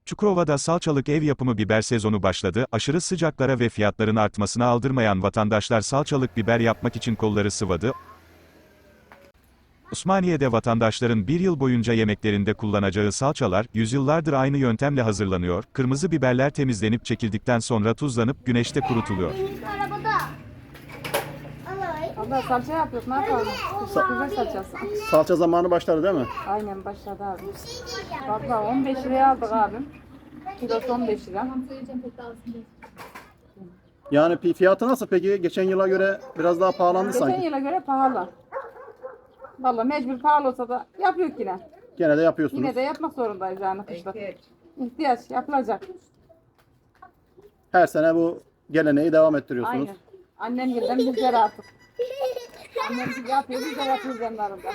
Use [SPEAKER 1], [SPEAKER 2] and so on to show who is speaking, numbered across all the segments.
[SPEAKER 1] Çukurova'da salçalık ev yapımı biber sezonu başladı, aşırı sıcaklara ve fiyatların artmasına aldırmayan vatandaşlar salçalık biber yapmak için kolları sıvadı. Osmaniye'de vatandaşların bir yıl boyunca yemeklerinde kullanacağı salçalar, yüzyıllardır aynı yöntemle hazırlanıyor, kırmızı biberler temizlenip çekildikten sonra tuzlanıp güneşte kurutuluyor.
[SPEAKER 2] Allah salça yapıyoruz, ne yapalım? Biber salçası.
[SPEAKER 3] Salça zamanı başladı değil mi?
[SPEAKER 2] Aynen başladı abi. Valla 15 liraya aldık abim. Kilosu 15 lira.
[SPEAKER 3] Yani fiyatı nasıl peki? Geçen yıla göre biraz daha pahalandı
[SPEAKER 2] Geçen
[SPEAKER 3] sanki.
[SPEAKER 2] yıla göre pahalı. Valla mecbur pahalı olsa da yapıyor yine.
[SPEAKER 3] Gene de yapıyorsunuz.
[SPEAKER 2] Yine de yapmak zorundayız yani kışlık. İhtiyaç yapılacak.
[SPEAKER 3] Her sene bu geleneği devam ettiriyorsunuz.
[SPEAKER 2] Aynen. Annem gilden bizler artık. Annem yapıyor, biz de yapıyoruz yanlarında.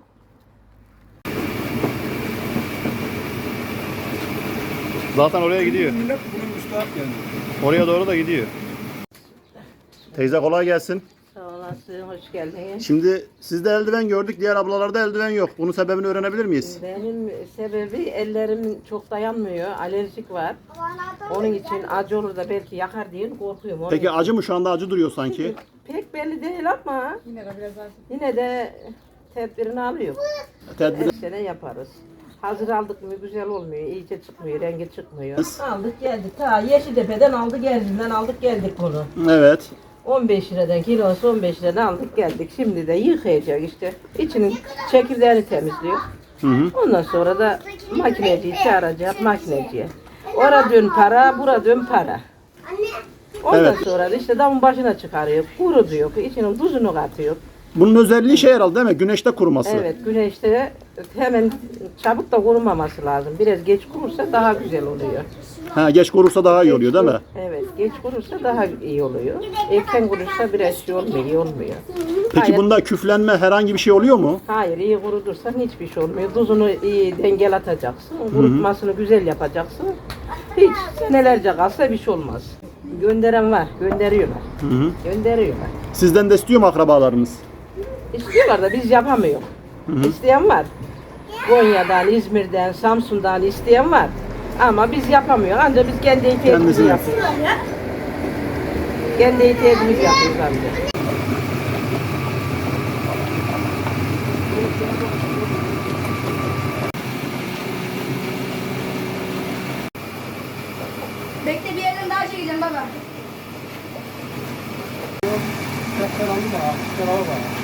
[SPEAKER 3] Zaten oraya gidiyor.
[SPEAKER 4] Millet bunun müstahak yani.
[SPEAKER 3] Oraya doğru da gidiyor. Teyze kolay gelsin.
[SPEAKER 5] Sağ olasın, hoş geldiniz.
[SPEAKER 3] Şimdi sizde eldiven gördük, diğer ablalarda eldiven yok. Bunun sebebini öğrenebilir miyiz?
[SPEAKER 5] Benim sebebi ellerimin çok dayanmıyor, alerjik var. Onun için acı olur da belki yakar diye korkuyorum. Onun
[SPEAKER 3] Peki
[SPEAKER 5] için.
[SPEAKER 3] acı mı? Şu anda acı duruyor sanki.
[SPEAKER 5] Pek belli değil ama
[SPEAKER 2] Yine de biraz az.
[SPEAKER 5] yine de tedbirini alıyor.
[SPEAKER 3] Tedbir.
[SPEAKER 5] Her sene yaparız. Hazır aldık mı güzel olmuyor, iyice çıkmıyor, rengi çıkmıyor. Aldık geldik, ta Yeşiltepe'den aldık geldiğinden aldık geldik bunu.
[SPEAKER 3] Evet.
[SPEAKER 5] 15 liradan kilosu 15 liradan aldık geldik. Şimdi de yıkayacak işte. İçinin çekirdeğini temizliyor. Ondan sonra da makineciyi çağıracak makineciye. Ora dön para, bura dön para. Ondan
[SPEAKER 3] Evet.
[SPEAKER 5] sonra da işte damın başına çıkarıyor, kurutuyor, içinin tuzunu katıyor.
[SPEAKER 3] Bunun özelliği şey herhalde değil mi? Güneşte kuruması.
[SPEAKER 5] Evet, güneşte hemen çabuk da kurumaması lazım. Biraz geç kurursa daha güzel oluyor.
[SPEAKER 3] Ha, geç kurursa daha iyi oluyor değil mi?
[SPEAKER 5] Evet, geç kurursa daha iyi oluyor. Erken kurursa biraz şey olmuyor, iyi olmuyor.
[SPEAKER 3] Peki
[SPEAKER 5] Hayır.
[SPEAKER 3] bunda küflenme herhangi bir şey oluyor mu?
[SPEAKER 5] Hayır, iyi kurutursan hiçbir şey olmuyor. Tuzunu iyi dengel atacaksın. Kurutmasını güzel yapacaksın. Hiç senelerce kalsa bir şey olmaz. Gönderen var, gönderiyorlar. Gönderiyorlar.
[SPEAKER 3] Sizden de istiyor mu akrabalarınız?
[SPEAKER 5] İstiyorlar da biz yapamıyoruz. İsteyen var. Konya'dan, İzmir'den, Samsun'dan isteyen var. Ama biz yapamıyoruz. Ancak biz kendi
[SPEAKER 3] Kendisi
[SPEAKER 5] ihtiyacımızı yapıyoruz. Kendi ihtiyacımızı yapıyoruz ancak.
[SPEAKER 6] Bekle bir yerden daha çekeceğim baba.
[SPEAKER 4] Sen aldı mı? Sen aldı mı?